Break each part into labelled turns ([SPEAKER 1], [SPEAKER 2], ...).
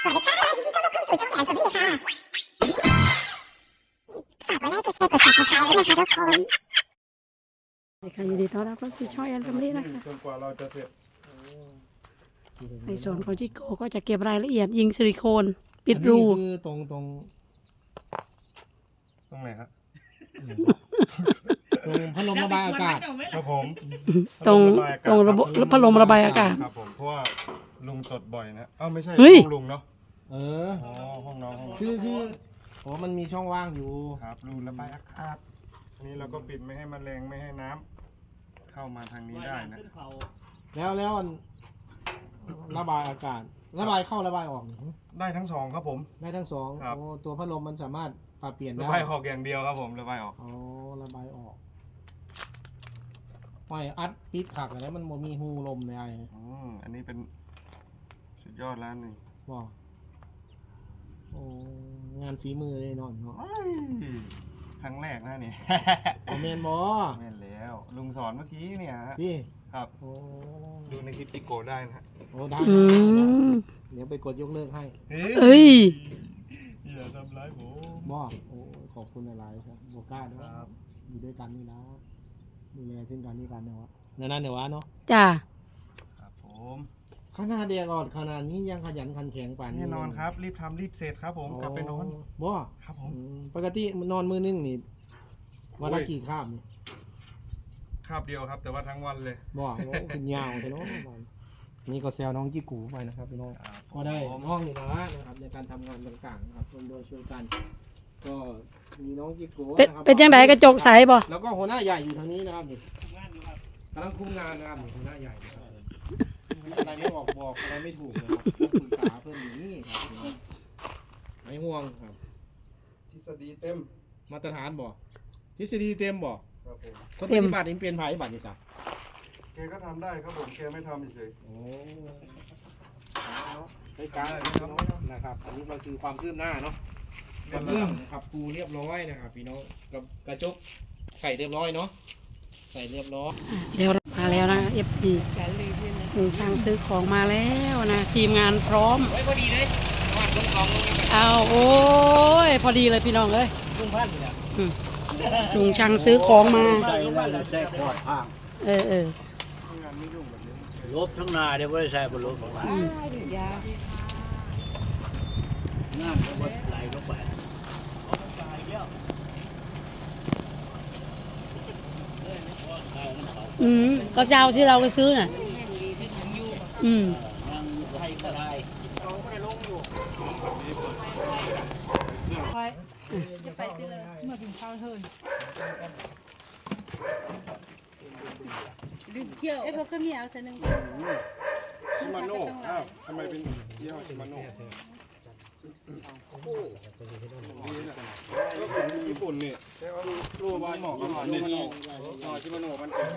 [SPEAKER 1] สวัสดีค่ะยินดีต้อนรับเข้าสู่ช่องแอนสวัสดีค่ะฝากกดไลค์กดแชร์กด Subscribe ด้วยนะคะทุกคน
[SPEAKER 2] ค่ะยินดีต้อนรับเข้าสู่ช่องแอนแฟมิลี่นะคะ
[SPEAKER 3] จนกว่าเราจะเสร็จ
[SPEAKER 2] ในส่วนของจิโก้ก็จะเก็บรายละเอียดยิงซิลิโคนปิดรู
[SPEAKER 4] คือตรง
[SPEAKER 3] ตรงไหนครับ
[SPEAKER 4] ตรงพัดลมระบายอากาศ
[SPEAKER 3] ครับผม
[SPEAKER 2] ตรงระบบพัดลมระบายอากาศ
[SPEAKER 3] ครับผมเพราะว่าลุงตดบ่อยนะไม่ใช่
[SPEAKER 2] เฮ้ย
[SPEAKER 3] ห้องลุงเนาะ
[SPEAKER 4] เออ
[SPEAKER 3] อ๋อห้องน้องห้อง
[SPEAKER 4] คือโอ้มันมีช่องว่างอยู่
[SPEAKER 3] ครับรูระบายอากาศนี่เราก็ปิดไม่ให้แมลงไม่ให้น้ำเข้ามาทางนี้ได้นะ
[SPEAKER 4] แล้วอันระบายอากาศ ระบายเข้าระบายออก
[SPEAKER 3] ได้ทั้งสองครับผม
[SPEAKER 4] ได้ทั้งสอง
[SPEAKER 3] ครับ
[SPEAKER 4] โอ้ตัวพัดลมมันสามารถปรับเปลี่ยน
[SPEAKER 3] ระ
[SPEAKER 4] ได้
[SPEAKER 3] บายออกอย่างเดียวครับผมระบายออก
[SPEAKER 4] อ๋อระบายออกปล่อยอัดปิดขักอะไรมันบ่มีหูลมในไอ้
[SPEAKER 3] อันนี้เป็นสุดยอดแล้วนี่
[SPEAKER 4] บอกโอ้งานฝีมือเลยเนาะ
[SPEAKER 3] ครั้งแรกนะนี่
[SPEAKER 4] โอเมนบอ
[SPEAKER 3] แม่นแล้วลุงสอนเมื่อกี้เนี่ยฮะ
[SPEAKER 4] พี่
[SPEAKER 3] ครับ
[SPEAKER 4] โอ้
[SPEAKER 3] ดูในคลิปจิโกะได้นะฮะ
[SPEAKER 4] โอ้ได้
[SPEAKER 2] อืม
[SPEAKER 4] เดี๋ยวไปกดยกเลิกให้
[SPEAKER 2] เอ้ย
[SPEAKER 3] อย่าทำร้ายผม
[SPEAKER 4] บอกโอ้ขอบคุณอะไรครับโบก้าด้วย
[SPEAKER 3] ครับ
[SPEAKER 4] อยู่ด้วยกันนี่นะดูแลซึ่งกันนี่กันเนาะนั่นเดี๋ยววะเนาะ
[SPEAKER 2] จ้า
[SPEAKER 3] ครับผม
[SPEAKER 4] ขนาดเดียก่อนขนาดนี้ยังขยันขันแข็งป่านนี้
[SPEAKER 3] แน่นอนครับรีบทำรีบเสร็จครับผมกลับไปนอน
[SPEAKER 4] บ่
[SPEAKER 3] ครับผม
[SPEAKER 4] ปกตินอนมือนึงนี่วันละกี่คาบนี่
[SPEAKER 3] คาบเดียวครับ แต่ว่าทั้งวันเลย
[SPEAKER 4] บ่โอ้ขึ้นยาวแต่เนาะนี่ก็แซวน้องจิกูไปนะครับพี่น้อง
[SPEAKER 3] ครับ
[SPEAKER 4] ก็ได้น้องนี่นะนะครับในการทำงานต่างๆนะครับร่วมด้วยช่วยกัน ก็มีน้องจิกู
[SPEAKER 2] เป็นจังไดกระจกใสบ่
[SPEAKER 4] แล้วก็หัวหน้าใหญ่อยู่ทางนี้นะครับนี่กำลังคุมงานนะครับนี่หัวหน้าใหญ่นะครับอะไรไม่ออกบอกอะไรไม่ถูกนะครับต้องปรึกษาเพื่อนอยู่นี่ครับไม่ห่วงครับ
[SPEAKER 3] ทฤษฎีเต็ม
[SPEAKER 4] มาตรฐานบอกทฤษฎีเต็มบอก
[SPEAKER 3] ครับผม
[SPEAKER 4] คนปฏิบัตินี่เป็นไผ่บัตรนี่สัก
[SPEAKER 3] แกก็ทำได้ครับผมแกไม่ทำเฉย
[SPEAKER 4] โอ้ในการนะครับ อันนี้มันคือความคืบหน้าเนาะกับเรื่องขับปูเรียบร้อยนะครับพี่น้องกับกระจกใส่เรียบร้อยเนาะใส่เรียบร้อย
[SPEAKER 2] เดี๋ยวมาแล้วนะ FP ลุงช่างซื้อของมาแล้วนะทีมงานพร้อม
[SPEAKER 4] ไว้พอดีเลยวาดลงกองลงนะ
[SPEAKER 2] เอาโอ้ยพอดีเลยพี่น้องเอ้ย
[SPEAKER 4] ลุงพันธุ์เนี่ย
[SPEAKER 2] ลุงช่างซื้อของมา
[SPEAKER 5] ใส่นั่นแหละใส่ขอดข้าง
[SPEAKER 2] เออ
[SPEAKER 5] ลบทั้งหนาเดี๋ยวไม่ได้ใส่บนลบของมันน้ำก็วัดไหลลงไป
[SPEAKER 2] ก็เจ้าที่เราไปซื้อน่ะ
[SPEAKER 5] นั่งไทยก็ได้
[SPEAKER 6] เอ้พวกก็มีเอาเส้นหนึ่ง
[SPEAKER 3] ชิมาโน่อ้าวทำไมเป็นยี่ห้อชิมาโน่แล้วของญี่ปุ่นนี่รูปเหมาะกับมันนี่ชิมาโน่มันเป็น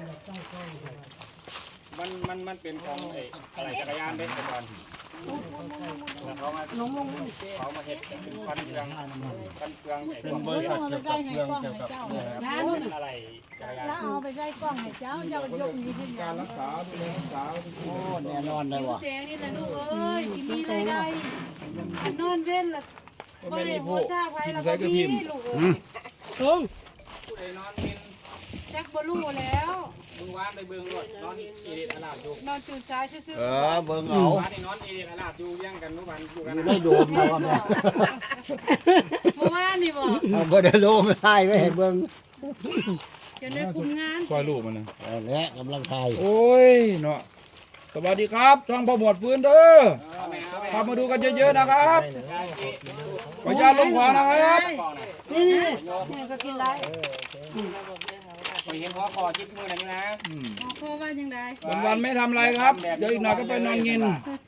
[SPEAKER 3] มันเป็นของอะไรจักรยานเด็กแต่ก่อนเขามาเฮ็ดเป็นคันเครื่องเป็นบริษัทเกี่ยวกับเครื่องเกี่ยวกับอะไรจักรยาน
[SPEAKER 6] แล้วเอาไปใส่กล้องให้เจ้าเจ้ายกนี้ขึ้น
[SPEAKER 4] การรักษาดูแลรักษา
[SPEAKER 5] โอ้แน่นอนเลยว่ะ
[SPEAKER 6] แสงนี่แหละลูกเอ้ยที่มีรายได้นอนเว้นละบ่ได้โหซาไว้แล้วก็มีลูกเอ้ย
[SPEAKER 2] ลุง
[SPEAKER 4] ผู้ใดนอนกิน
[SPEAKER 6] จักบ่รู้แล้ว
[SPEAKER 4] มึงวานไปเบิ่งรถนอนเอเดตอาลาดอยู่
[SPEAKER 6] นอนตื่นสายซื่อ
[SPEAKER 5] เบิ่งเอา
[SPEAKER 4] วานนี่นอนเอเดตอาลาดอยู่เลี้ยงกันทุกวันอยู่กัน
[SPEAKER 5] ไม่โดมนะว่าแม่
[SPEAKER 6] ๆเมื่อวานนี่บ่
[SPEAKER 5] เอาบ่ได้โลไม่ได้ไม่เห็นเบิ่ง
[SPEAKER 6] จะได้คุมงาน
[SPEAKER 3] คอยลูกมันนะ
[SPEAKER 5] และกำลังไทย
[SPEAKER 7] โอ้ยเนาะสวัสดีครับช่องพ่อหมวดฟื้นเด้อขับมาดูกันเยอะๆนะครับขออนุญาตลงขวานะครับ
[SPEAKER 6] นี่ก็กินได้
[SPEAKER 4] เคยเห็นหัวคอจิ๊บมือนั่นนะ
[SPEAKER 6] พอว่าจังได๋
[SPEAKER 7] วันๆไม่ทำอะไรครับ เดี๋ยวอีกหน่อยก็ไปนอนกิน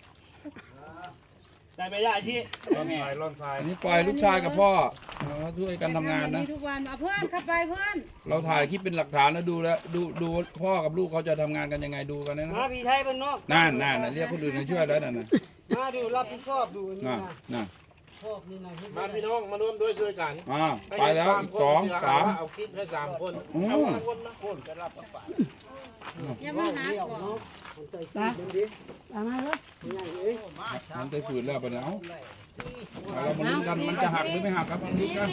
[SPEAKER 5] ได้ไปได้ที่
[SPEAKER 3] ร่อนทราย
[SPEAKER 7] อันนี้ปล่อยลูกชายกับพ่อช่วยกันทำงานนะ
[SPEAKER 6] ทุกวันเอาเพื่อนเข้าไปเพื่อน
[SPEAKER 7] เราถ่ายคลิปเป็นหลักฐานแล้วดูแล้วดูพ่อกับลูกเขาจะทำงานกันยังไงดูกันนะ
[SPEAKER 5] มาพี่ไทยบ้านนอก
[SPEAKER 7] นั่นเรียกคนอื่นมาช่วยแล้วนั่นน่ะ
[SPEAKER 5] มาดูรับผิดชอบดูนี่
[SPEAKER 7] น่ะ
[SPEAKER 5] ชอบนี่นะ
[SPEAKER 4] มาพี่น้องมาร่วมด้วยช่วยกัน
[SPEAKER 7] ไปแล้วอีกสองสาม
[SPEAKER 4] เอาคลิปให้3 คน
[SPEAKER 7] อืม
[SPEAKER 5] คนนะคนจะรับกันไป
[SPEAKER 6] อย่ามาหาก่อน
[SPEAKER 2] ตามมาเลย
[SPEAKER 7] มันได้ฝืนแล้วปะเนี่ยเรามาลุ้นกันมันจะหักหรือไม่หักครับมาลุ้นกัน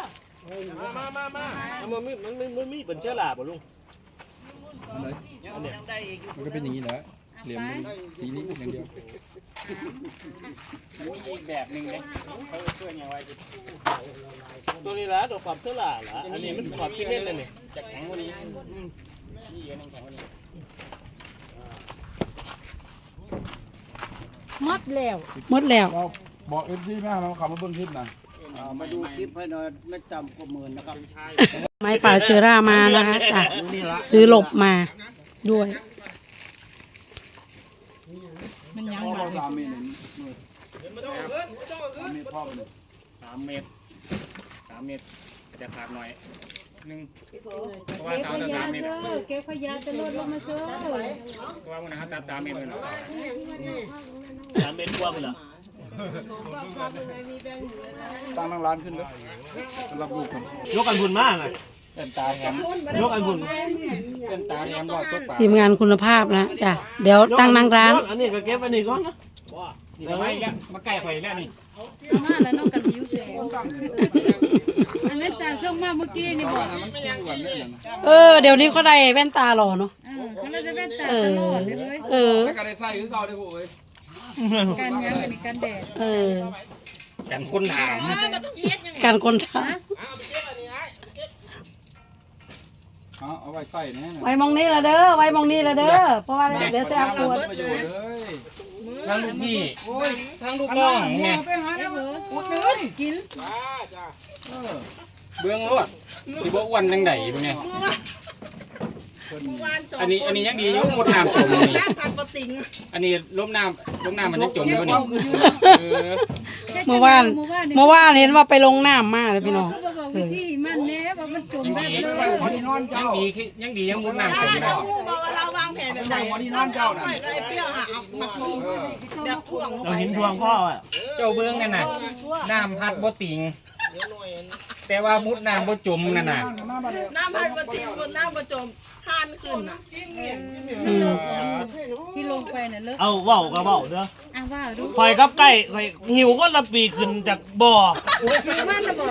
[SPEAKER 5] มันมีเป็นเชื้อราบ่ลุง
[SPEAKER 7] อันไหนมันก็เป็นอย่างนี้แหละเหลี่ยมมันสีนี้อย่างเดียว
[SPEAKER 3] มีอีกแบบหนึ่งเลยเขาช่วยยังไง
[SPEAKER 5] ตัวนี้ละตัวความเชื้อราละอันนี้มันความที่เม็ดเลยนี่
[SPEAKER 3] จะแข็งกว่านี้นี่เยอะนึงแข็งกว่านี้
[SPEAKER 2] หมดแล้ว
[SPEAKER 7] เราบอกเอฟซีแม่เราขับมาเบิ้งคลิปนะ
[SPEAKER 5] มาดูคลิปให้หน่อยไม่ต่ำกว่า10,000นะครับ
[SPEAKER 2] ไม้ฝาเชื้อรามานะคะจ้ะซื้อหลบมาด้วย
[SPEAKER 7] มันยังเรา3 เมตร
[SPEAKER 3] 3 เมตรจะขาดหน่อยนึงเพราะว่า
[SPEAKER 6] เก็บ
[SPEAKER 3] ตาม
[SPEAKER 6] ข
[SPEAKER 3] แต่
[SPEAKER 6] ยะ
[SPEAKER 3] 3 เมตร
[SPEAKER 6] เซอร์เก็บขยะจะลดลงมาเซอร์
[SPEAKER 3] เพราะว่ามันนะครับตาม3 เมตรเลยเนาะ
[SPEAKER 5] 3 เมตรกว่าพุ่นล่ะ
[SPEAKER 7] ตั้งนั่งร้านขึ้นเลยสำหรับลูกผม
[SPEAKER 5] ยกกันพุ่นมาน่ะ
[SPEAKER 3] เป็นตาแถม
[SPEAKER 5] ยกกันพุ่น
[SPEAKER 3] เป็นตาแถมรอดตัวปลา
[SPEAKER 2] ทีมงานคุณภาพนะจ้ะเดี๋ยวตั้งนั่งร้าน
[SPEAKER 5] อันนี้ก็เก็บอันนี้ก่อน
[SPEAKER 3] นี่ทำไมเนี่ยมาใกล้ข่อยแล้วนี่
[SPEAKER 6] มาแล้วนอกกันผิวแสงอันนั้นตาช่องมาเมื่อกี้นี่บอก
[SPEAKER 7] มันคู่กันได้เหรอนะ
[SPEAKER 2] เดี๋ยวนี้เขาได้แว่นตาหล่อเนาะ
[SPEAKER 6] เขาเลยจะเป็นตาตลอดเลย
[SPEAKER 7] แล้วก็ได้ใส่คือเก่าได้พวกเอ้ย
[SPEAKER 6] กันยังกันนี่กันแดด
[SPEAKER 3] กันคนถาม
[SPEAKER 2] การคนทา
[SPEAKER 7] เอาไว้ใส่แน่
[SPEAKER 2] ไว้มองนี้ละเด้อไว้มองนี้ละเด้อเพราะว่าเดี๋ยวจะเอาขวด
[SPEAKER 7] ประโยชน์เลย
[SPEAKER 3] ทั้งลูกพี่ทั้งลูกน้องไง
[SPEAKER 6] ไปหาแล้วเหรออุดเลยกิน
[SPEAKER 3] เบื้องรวดสิบ่อ้วนจังได๋พวกนี้อันนี้ยังดีอยู่หมดน้ำจมนี่อันนี้ล้มน้ำมันยังจมอยู่นี่
[SPEAKER 2] เมื่อวานเห็นว่าไปลงน้ำมาเลยพี่น้อง
[SPEAKER 6] เขาบอกวิธีมันแน่ว่ามันจม
[SPEAKER 3] ยัง
[SPEAKER 6] แบบ
[SPEAKER 3] ดี
[SPEAKER 6] เลย
[SPEAKER 3] ยังมุดน้ำจมแล้ว
[SPEAKER 1] เราวางแผนแบบไหน
[SPEAKER 7] วันนี้นอนเจ้าน่ะ
[SPEAKER 1] ไอ้เปรี้ยวหาเอามาทวงเดี๋ยวถ่วง
[SPEAKER 5] เราเห็นทวงพ่ออ่ะ
[SPEAKER 3] เจ้าเบื้องนั่นน่ะน้ำพัดบ่ติงแต่ว่ามุดน้ำบ่จมนั่นน่ะ
[SPEAKER 1] น้ำพัดประติบนน้ำประจมข้านขึ้นอ่ะ
[SPEAKER 6] ที่ลงไปน่ะเลิก
[SPEAKER 5] เอาเว้าก็เว้าเด้อ
[SPEAKER 6] ว่าดู
[SPEAKER 5] ข่อยกับไก่ข่อยหิวก็ละปีขึ้นจากบ่อ
[SPEAKER 6] มันน่ะบอก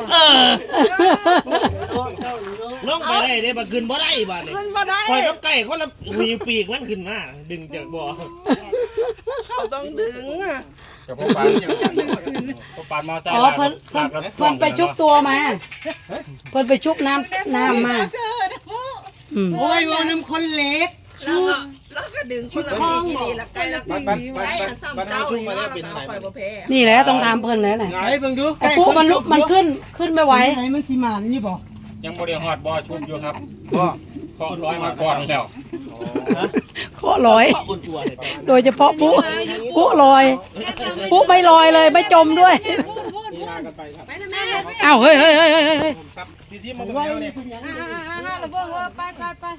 [SPEAKER 5] ลงไปได้เด้บ่ขึ้นบ่ได้บาดนี้
[SPEAKER 1] ขึ้นมาได้
[SPEAKER 5] ข่อยกับไก่คนละหิวปีกมันขึ้นมาดึงจากบ่อ
[SPEAKER 1] เขาต้องดึงอ่ะ
[SPEAKER 3] เจ้าพ่อปานมอไซค์
[SPEAKER 2] อ๋อเพิ่นไปชุบตัวมาเพิ่นไปชุบน้ำมา
[SPEAKER 1] เจอนะพ่อ
[SPEAKER 6] โอ้ยว่าน้ำคนเล็ก
[SPEAKER 1] แล้วก็ดึงคนละทีกี่ดีละใกล้ละปีใกล้ละซ้ำเจ้าอีกว่าเราเอาไปบ่แพ้
[SPEAKER 2] นี่แหละต้องถามเพิ่นแล้วน่ะ
[SPEAKER 5] ไงเบิ่งดู
[SPEAKER 2] ไอ้ปุ๊มันขึ้นไม่ไหว
[SPEAKER 3] ยังบ่ได้ฮอดบ่อชุบอยู่ครับเคาะร้อยมาก่อนแล้ว
[SPEAKER 2] เคาะลอย
[SPEAKER 5] คนตัวเลย
[SPEAKER 2] โดยเฉพาะปุ๊ลอยปุ๊ไม่ลอยเลยไม่จมด้วย
[SPEAKER 1] ไปนะแม่
[SPEAKER 2] อ้าวเฮ้ย
[SPEAKER 5] ซีมันเป็นแล้วเนี่ย
[SPEAKER 6] เราบอกว่าไป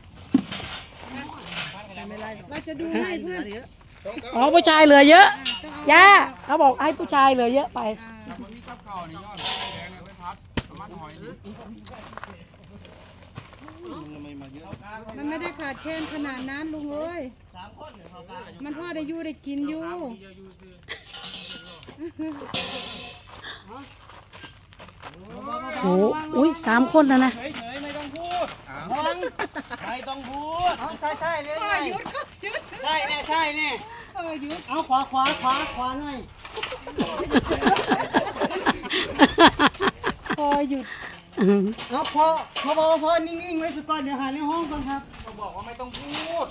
[SPEAKER 6] เราจะดูให้เพื่อน
[SPEAKER 2] อ๋อผู้ชายเหลือเยอะย่าเขาบอกให้ผู้ชายเหลือเยอะไป
[SPEAKER 6] มันไม่ได้ขาดแคลนขนาดนั้นลุงเอ้ยมันพ่อได้อยู่ได้กินอยู่
[SPEAKER 2] โอ้อุ้ย3 คนนะ
[SPEAKER 5] ไม่ต้องพูดใช่เลยใช่แน่ใช่แน่เอาขวาหน่อย
[SPEAKER 6] พอหยุด
[SPEAKER 5] เอาพอนิ่งๆไว้สักก่อนเดี๋ยวหาในห้องก่อนครับ
[SPEAKER 3] บอกว่าไม่ต้องพูด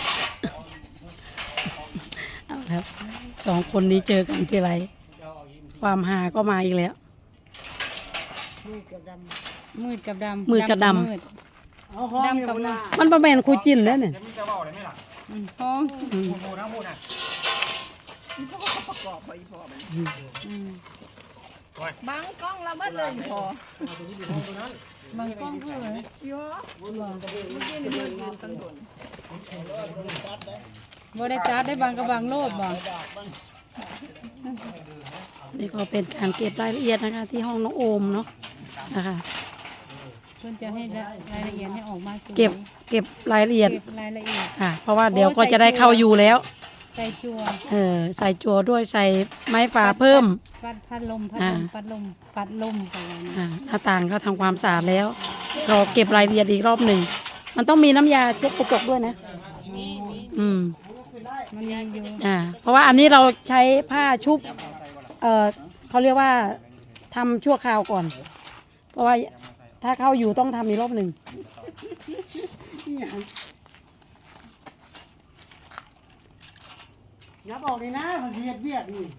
[SPEAKER 2] เอาครับ2 คนนี้เจอกันทีไรความหาก็มาอีกแล้ว
[SPEAKER 6] มืดกับดำมืด
[SPEAKER 5] เอาห้อง
[SPEAKER 6] ดำกับมืด
[SPEAKER 2] มันประเป็นคุยจินแล้วเนี่ย
[SPEAKER 3] จะมีจะบอกได้ไหมล่ะ
[SPEAKER 6] ห้อง
[SPEAKER 3] พูดนะพูดนะ
[SPEAKER 1] บังกล้องเราเมื่อเลยพอ
[SPEAKER 6] บางกล้องเพื่อ
[SPEAKER 1] เยอะเมื่อกี้นี่มือยืนตั้งโดน
[SPEAKER 6] บ่ได้จัดได้บางกับบางโลดบ่
[SPEAKER 2] นี่ก็เป็นการเก็บรายละเอียดนะคะ ที่ห้องน้องโอมเนาะนะคะ
[SPEAKER 6] เพิ่นจะให้รายละเอียดให้ออกมาสวย
[SPEAKER 2] เก็บรายละเอียด
[SPEAKER 6] เก็บรายละเอียด
[SPEAKER 2] ค่ะ เพราะว่าเดี๋ยวก็จะได้เข้าอยู่แล้ว
[SPEAKER 6] ใส่จั่ว
[SPEAKER 2] ใส่จั่วด้วยใส่ไม้ฝาเพิ่ม
[SPEAKER 6] พัดลมปัดลมไปเลยนะ
[SPEAKER 2] หน้าต่างก็ทำความสะอาดแล้วรอเก็บรายละเอียดอีกรอบหนึ่งมันต้องมีน้ำยาเช็ดกระจกด้วยนะ
[SPEAKER 6] มันมีอยู่
[SPEAKER 2] เพราะว่าอันนี้เราใช้ผ้าชุบเขาเรียกว่าทำชั่วคราวก่อน เพราะว่าถ้าเข้าอยู่ต้องทำอีกรอบหนึ่ง
[SPEAKER 5] อย่าบอกเลยนะมันเฮ็ดเวียกนี่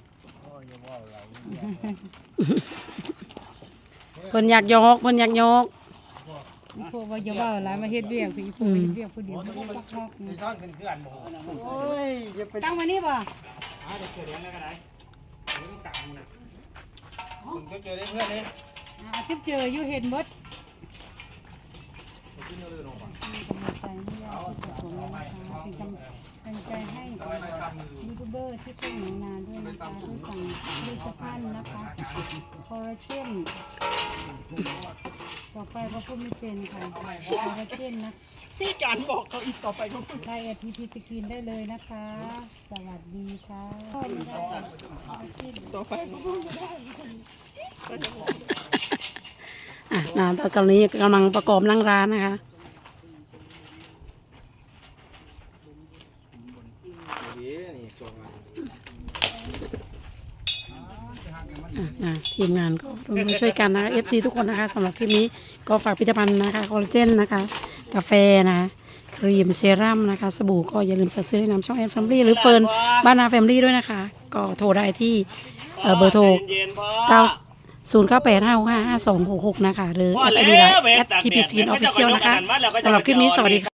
[SPEAKER 2] เพิ่นอยากยก
[SPEAKER 6] พวกว่าจะว่าหลายมาเฮ็ดเวียกพี่พวกเฮ็ดเวียกผู้เดียวบ่ปักฮอกนี่
[SPEAKER 4] ซ่อนขึ้นอันบ่
[SPEAKER 5] โอ้ยอย่าไป
[SPEAKER 6] ตั้งไว้นี่บ่
[SPEAKER 4] คุณก็เจอได้เพื่อนเลย
[SPEAKER 6] ทิพเจออยู่เห็นหมดกำลังใจให้ยูทูบเบอร์ที่เป็นหนูนาด้วยนะคะด้วยสั่งผลิตภัณฑ์นะคะคอลลาเจนต่อไปก็พูดไม่เป็นค่ะคอลลาเจนนะที่การบอกเขาอีกต่อไปก็พูดได้ทีสกินได้เลยนะคะ สวัสดีค่ะต่อไปก็พูดไม่ได้
[SPEAKER 2] ตอนนี้กำลังประกอบนั่งร้านนะคะทีมงานก็ร่วมช่วยกันนะคะ FC ทุกคนนะคะสำหรับคลิปนี้ก็ฝากผลิตภัณฑ์นะคะคอลลาเจนนะคะกาแฟนะคะครีมเซรั่มนะคะสบู่ก็อย่าลืมสั่งซื้อในนามช่องแอนแฟมิลี่หรือเฟิร์นบ้านนาแฟมิลี่ด้วยนะคะก็โทรได้ที่เบอร์โทร0985655266นะคะหรือแอดไอดีไลน์@TP Skin Official นะคะสำหรับคลิปนี้สวัสดีค่ะ